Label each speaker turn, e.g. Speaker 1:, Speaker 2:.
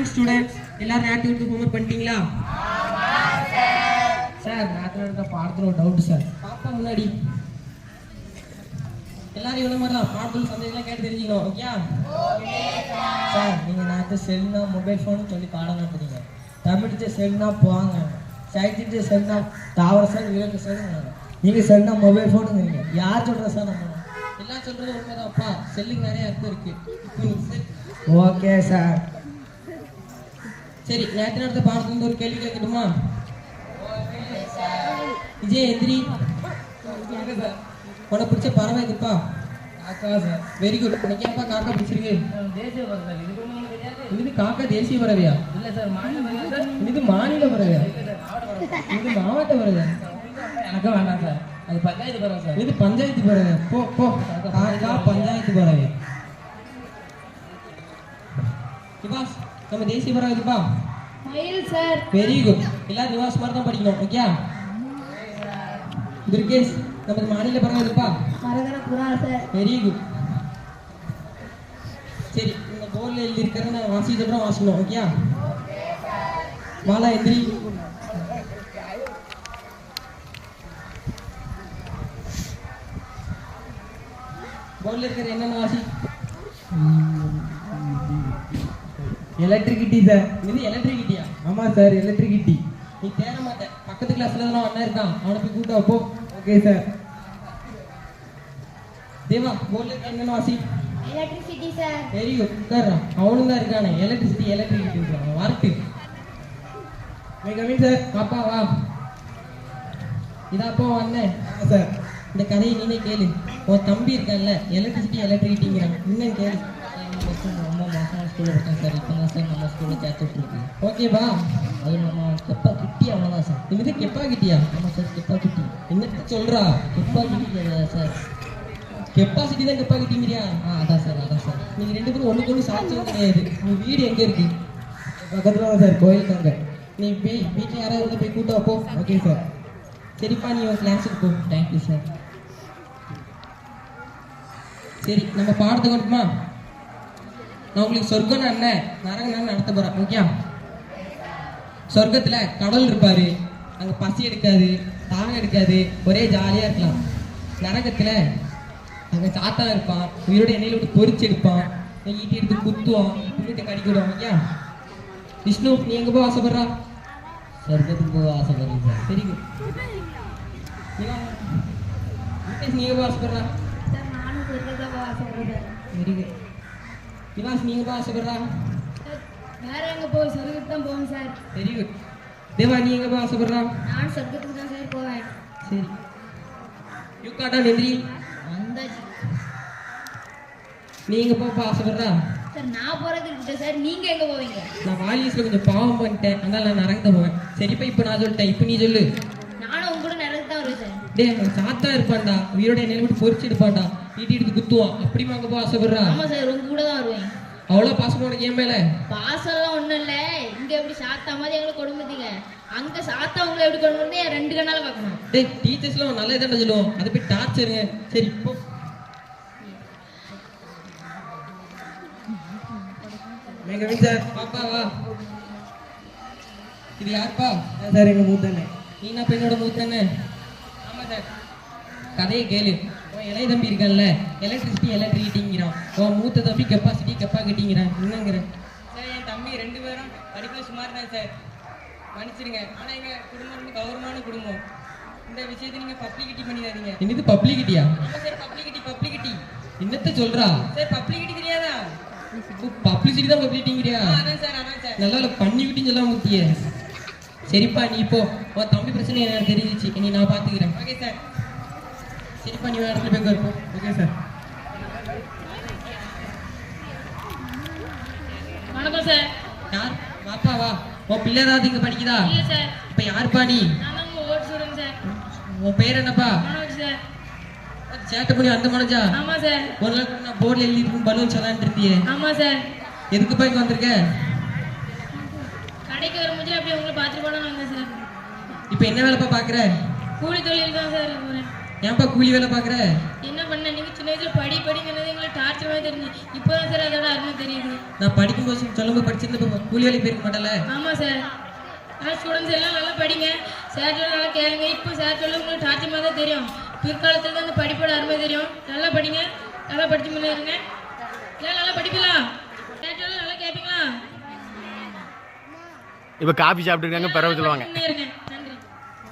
Speaker 1: Morning students. எல்லாரும் activity homework பண்ணிட்டீங்களா?
Speaker 2: Sir நேற்று எடுத்த பாடத்தில் ஒரு டவுட் சார்.
Speaker 1: பாப்பா முன்னாடி எல்லாரும் இவ்வளோ மாதிரி தான் பாடத்தில் சந்தேகம்லாம் கேட்டு தெரிஞ்சுக்கணும். ஓகே
Speaker 2: சார் நீங்கள் நேற்று செல்னா மொபைல் ஃபோன் சொல்லி பாடம் நடத்துறீங்க. தமிழ்த்து செல்னா போவாங்க, சைக்கிட்டு செல்னா தாவர சார் விலங்கு சார். நீங்கள் செல்னா மொபைல் ஃபோனுங்கிறீங்க. யார் சொல்கிற சார் நம்ம?
Speaker 1: எல்லாம் சொல்கிறது உண்மைதான்ப்பா. செல்லுக்கு நிறைய அர்த்தம் இருக்குது.
Speaker 2: Okay sir.
Speaker 1: சரி, நேற்று நடத்த பாடத்துல ஒரு கேள்வி கேட்கட்டுமா? விஜய் எந்திரி. உனக்கு பிடிச்ச பறவை எதுப்பா?
Speaker 2: காக்கா சார்.
Speaker 1: Very good. உனக்கு ஏன்ப்பா காக்கா பிடிச்சிருக்கு?
Speaker 2: தேசிய பறவை சார். இது ஒன்றும் தெரியாது.
Speaker 1: இது காக்கா தேசிய பறவையா?
Speaker 2: இல்லை சார், மாநில பறவை சார்.
Speaker 1: இது மாநில பறவையா? இது மாவட்ட பறவை.
Speaker 2: எனக்கு வேண்டாம் சார், அது பஞ்சாயத்து பறவை சார்.
Speaker 1: இது பஞ்சாயத்து பறவை. போ போ, காக்கா பஞ்சாயத்து பறவை. நிவாஸ், நம்ம தேசிய பறவை எதுப்பா?
Speaker 3: மயில் சார்.
Speaker 1: Very good. எல்லாரும் நிவாஸ் மாதிரி தான் படிக்கணும். ஓகே துர்கேஷ், நமது மாநில பறவை எதுப்பா?
Speaker 3: மரகத புறா சார்.
Speaker 1: Very good. சரி, இந்த போர்டில் எழுதி இருக்கிறத நான் வாசிக்கிறோம், வாசிக்கணும். ஓகே மாலா எந்திரி. போர்டில் இருக்கிற என்னென்ன வாசி?
Speaker 2: Electricity sir.
Speaker 1: இது எலக்ட்ரிசிட்டியா?
Speaker 2: ஆமாம் சார், எலக்ட்ரிசிட்டி.
Speaker 1: நீ தேட மாட்டேன். பக்கத்து கிளாஸ்ல தான் அண்ணன் இருக்கான், அவனை போய் கூட்டா போ.
Speaker 2: Okay sir.
Speaker 1: தேவா, போர்டில் இருக்கிற என்னென்ன வாசி?
Speaker 3: Electricity sir.
Speaker 1: Very good. உட்கார்றான். அவனும் தான் இருக்கானே எலக்ட்ரிசிட்டி எலக்ட்ரிசிட்டி வார்த்தை. மிகவின் சார். பாப்பா வா. இதாப்பா அண்ணன்
Speaker 2: சார்.
Speaker 1: இந்த கதையை நீனே கேளு. உன் தம்பி இருக்கான்ல எலக்ட்ரிசிட்டி எலக்ட்ரிசிட்டிங்கிறான், இன்னும் கேளு.
Speaker 2: ரொம்ப மோசமான ஸ்கூலில் இருக்கேன் சார். இப்போ தான் சார் நம்ம ஸ்கூலில் சேர்த்துட்ருக்கு.
Speaker 1: ஓகேவா?
Speaker 2: அது நம்ம கெப்பா கிட்டி அவ்வளோதான் சார்.
Speaker 1: இது கெப்பா கிட்டியா?
Speaker 2: ஆமாம் சார், கெப்பா கிட்டி.
Speaker 1: என்னத்த சொல்றா?
Speaker 2: கெப்பா கிட்டி சார்.
Speaker 1: கெப்பாசிட்டி தான் கெப்பா கிட்டிங்கிறியா?
Speaker 2: அதான் சார், அதான் சார்.
Speaker 1: நீங்க ரெண்டு பேரும் ஒண்ணுக்கு ஒண்ணு சாட்சியம் கிடையாது. உங்க வீடு எங்க இருக்கு?
Speaker 2: பக்கத்தில் தான் சார், கோயிலுக்காங்க.
Speaker 1: நீ போய் வீட்டில் யாராவது இருந்தா போய் கூட்டா போ.
Speaker 2: Okay sir.
Speaker 1: சரிப்பா, நீ உன் கிளாஸுக்கு போ.
Speaker 2: Thank you sir.
Speaker 1: சரி, நம்ம பாடத்துக்கு வந்துமா? நான் உங்களுக்கு சொர்க்கம் என்ன நரகம் நடத்த போறேன். ஓகே சொர்க்கத்துல கடவுள் இருப்பாரு, அங்க பசி எடுக்காது, தாகம் எடுக்காது, ஒரே ஜாலியா இருக்கலாம். நரகத்துல அங்க சாத்தா இருப்பான், உயிரோட எண்ணெயில விட்டு பொறிச்சு எடுப்பான், ஈட்டி எடுத்து குத்துவான், புள்ளிட்டு கடிக்க விடுவான். ஓகே விஷ்ணு, நீ எங்க போய் ஆசைப்படுறா?
Speaker 2: சொர்க்கத்துக்கு போக ஆசைப்படுறேன் சார்.
Speaker 1: Very good. நீ எங்க போய் ஆசைப்படுறா?
Speaker 3: சார் நானும் சொர்க்கத்தை போக ஆசைப்படுறேன்.
Speaker 1: Very good. நிவாஸ், நீங்க போய் ஆசைப்படுறா?
Speaker 3: வேற எங்க போய் சொர்க்கத்துக்கு தான் போவேன் சார்.
Speaker 1: Very good. தேவா, நீ எங்க போய் ஆசைப்படுறா?
Speaker 3: நான் சொர்க்கத்துக்கு தான் சார் போவேன்.
Speaker 1: சரி, யூகாட்டா நெந்திரி,
Speaker 3: வந்தாச்சு
Speaker 1: நீ எங்க போய் ஆசைப்படுறா?
Speaker 3: சார். நான் போறது இருக்கட்டும் சார், நீங்க எங்க போவீங்க?
Speaker 1: நான் வாலியஸ்ல கொஞ்சம் பாவம் பண்ணிட்டேன், அதனால நான் நரகத்தை போவேன். சரிப்பா, இப்போ நான் சொல்லிட்டேன், இப்போ நீ சொல்லு.
Speaker 3: நானும் உங்க கூட நடந்து தான் வருவேன் சார்.
Speaker 1: டேய், அவன் சாத்தா இருப்பான்டா, உயிரோட எண்ணெயில விட்டு பொறிச்சு எடுப்பான்டா, ஈட்டி எடுத்து குத்துவான். அப்படிமா அங்க போய் ஆசைப்படுறா?
Speaker 3: ஆமா சார், உங்க கூட தான் வருவேன்.
Speaker 1: அவ்வளோ பாசம் உனக்கு என் மேல?
Speaker 3: பாசம்லாம் ஒண்ணும் இல்ல. இங்க எப்படி சாத்தா மாதிரி எங்களை கொடுமைத்தீங்க, அங்க சாத்தா உங்களை எப்படி கொடுமை என் ரெண்டு கண்ணால பார்க்கணும்.
Speaker 1: டேய், டீச்சர்ஸ்லாம் நல்ல இதாண்டா சொல்லுவோம், அதை போய் டார்ச்சருங்க. சரி இப்போ மேகவின் சார். பாப்பா வா. இது யாருப்பா?
Speaker 2: சார், எங்கள் மூத்தண்ணே.
Speaker 1: நீனா பெண்ணோட மூத்தண்ணே? ஆமா சார். கதையை கேளு. உன் இளைய தம்பி இருக்கான்ல எலக்ட்ரிசிட்டி எலக்ட்ரிசிட்டிங்கிறான், உன் மூத்த தம்பி கெப்பாசிட்டி கெப்பாசிட்டிங்கிறான், என்னங்கிறேன்?
Speaker 4: சார், என் தம்பி ரெண்டு பேரும் படிப்பில் சுமார் தான் சார், மன்னிச்சிருங்க. ஆனால் எங்கள் குடும்பம் வந்து கௌரவமான குடும்பம். இந்த விஷயத்தை நீங்கள் பப்ளிகிட்டி பண்ணிடாதீங்க.
Speaker 1: என்னது பப்ளிகிட்டியா?
Speaker 4: ஆமாம் சார், பப்ளிகிட்டி.
Speaker 1: என்னத்த சொல்றா?
Speaker 4: சார், பப்ளிகிட்டி தெரியாதா?
Speaker 1: பப்ளிசிட்டி தான் பப்ளிகிட்டிங்கிறியா?
Speaker 4: அதான் சார்.
Speaker 1: நல்லா பண்ணிக்கிட்டின்னு சொல்ல முக்கிய. சரிப்பா, நீ இப்போ உன் தம்பி பிரச்சனை எனக்கு தெரிஞ்சிச்சு, நீ நான் பார்த்துக்கிறேன்.
Speaker 4: Okay sir.
Speaker 1: சரிப்பா, நீ வேற இடத்துல போய் இருப்போம்.
Speaker 2: Okay sir.
Speaker 3: வணக்கம் சார்.
Speaker 1: யார்? வாப்பா வா. உன் பிள்ளை ஏதாவது இங்க படிக்குதா?
Speaker 3: இல்ல சார்.
Speaker 1: இப்ப யாருப்பா நீ?
Speaker 3: நான் தான் உங்க ஓட் ஸ்டூடெண்ட் சார்.
Speaker 1: உன் பேர் என்னப்பா?
Speaker 3: மனோஜ் சார்.
Speaker 1: சேட்டை பண்ணி அந்த மனோஜா?
Speaker 3: ஆமா சார்.
Speaker 1: ஒரு நாள் நான் போர்டில் எழுதிட்டு பலூன் சொல்லான்னு இருந்தியே,
Speaker 3: ஆமா சார்.
Speaker 1: எதுக்குப்பா இங்க வந்திருக்க?
Speaker 3: கடைக்கு வரும்போது அப்படியே உங்களை பார்த்துட்டு போனான்னு வந்தேன் சார்.
Speaker 1: இப்ப என்ன வேலைப்பா பாக்குற?
Speaker 3: கூலி தொழில் தான் சார் போறேன்.
Speaker 1: ஏன்ப்பா கூலி வேலை பார்க்குற?
Speaker 3: என்ன பண்ண நீங்க சின்ன வயசுல படிங்கிறது எங்களுக்கு டார்ச்சர் மாதிரி தெரிஞ்சு இப்போதான் சார் அதோட அருமை தெரியுது.
Speaker 1: நான் படிக்கும்போது சொல்லும்போது படிச்சிருந்தப்ப கூலி வேலை போயிருக்க மாட்டேன்ல.
Speaker 3: ஆமா சார். ஆனால் ஸ்டூடெண்ட்ஸ் எல்லாம் நல்லா படிங்க, சார் சொல்ல நல்லா கேளுங்க. இப்போ சார் சொல்ல உங்களுக்கு டார்ச்சர் மாதிரி தான் தெரியும். பிற்காலத்துல தான் அந்த படிப்போட அருமை தெரியும். நல்லா படிங்க, நல்லா படிச்சு முன்னேறுங்க. எல்லாம் நல்லா படிப்பீங்களா? சார் சொல்ல நல்லா கேட்பீங்களா?
Speaker 5: இப்போ காபி சாப்பிட்டுருக்காங்க, பிறகு சொல்லுவாங்க.
Speaker 3: முன்னேறுங்க.